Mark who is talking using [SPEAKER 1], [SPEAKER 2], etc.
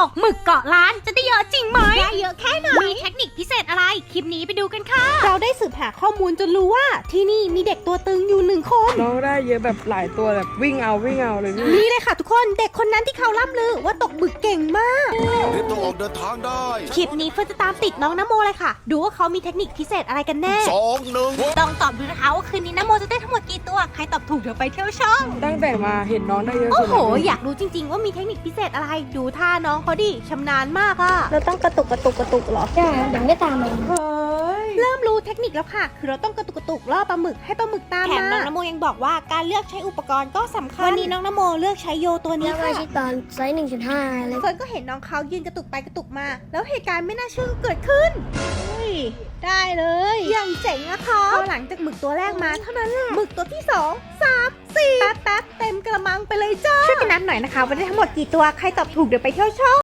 [SPEAKER 1] กหมึกเกาะล้านจะได้เยอะจริงไหม
[SPEAKER 2] ได้เยอะแค่ไหน
[SPEAKER 1] มีเทคนิคพิเศษอะไรคลิปนี้ไปดูกันค่ะ
[SPEAKER 2] เราได้สืบหาข้อมูลจนรู้ว่าที่นี่มีเด็กตัวตึงอยู่1 คน
[SPEAKER 3] น้องได้เยอะแบบหลายตัวแบบวิ่งเอาเลยพี่
[SPEAKER 2] นี่เลยค่ะทุกคนเด็กคนนั้นที่เขาล่ำลือว่าตกหมึกเก่งมาก
[SPEAKER 4] รีบต้องออกเดินทางได้
[SPEAKER 2] คลิปนี้เฟิร์นจะตามติดน้องนโมเลยค่ะดูว่าเขามีเทคนิคพิเศษอะไรกันแน่
[SPEAKER 4] 2 1
[SPEAKER 1] ต้องตอบดูนะคะว่าคืนนี้นโมจะได้ทั้งหมดกี่ตัวใครตอบถูกเดี๋ยวไปเที่ยวช่อง
[SPEAKER 3] ตั้งแต่มาเห็นน้องได้เยอะ
[SPEAKER 2] โอ้
[SPEAKER 3] สุด
[SPEAKER 2] โห
[SPEAKER 3] เลย
[SPEAKER 2] อยากรู้จริงๆว่ามีเทคนิคพิเศษอะไรดูท่าน้องเขาดิชำนาญมากอะเราต้องกระตุกเหรอ
[SPEAKER 5] ใช่เดี๋ยวไม่ตามมา
[SPEAKER 3] เฮ้ย
[SPEAKER 2] เริ่มรู้เทคนิคแล้วค่ะ คือเราต้องกระตุกล่อปลาหมึกให้ปลาหมึกตาม
[SPEAKER 1] แถ
[SPEAKER 2] มาม
[SPEAKER 1] น้องนโมยังบอกว่าการเลือกใช้อุปกรณ์ก็สำคัญ
[SPEAKER 2] วันนี้น้องนโมเลือกใช้โยตัวนี้
[SPEAKER 5] แล้วมา
[SPEAKER 2] ค่ะ
[SPEAKER 5] ชิตอนไซส์ 1.5 เลย
[SPEAKER 2] เฟิร์นก็เห็นน้องเขายืนกระตุกไปกระตุกมา แล้วเหตุการณ์ไม่น่าเชื่อก็เกิดขึ้น
[SPEAKER 5] ได้เลย
[SPEAKER 2] อย่างเจ๋งอะค่ะพอหลังจากหมึกตัวแรกมาเท่านั้นแหละหมึกตัวที่ 2 3 4แป๊บเต็มกระมังไปเลยจ้าช่วยกันนับหน่อยนะคะว่าได้ทั้งหมดกี่ตัวใครตอบถูกเดี๋ยวไปเที่ยวช่อง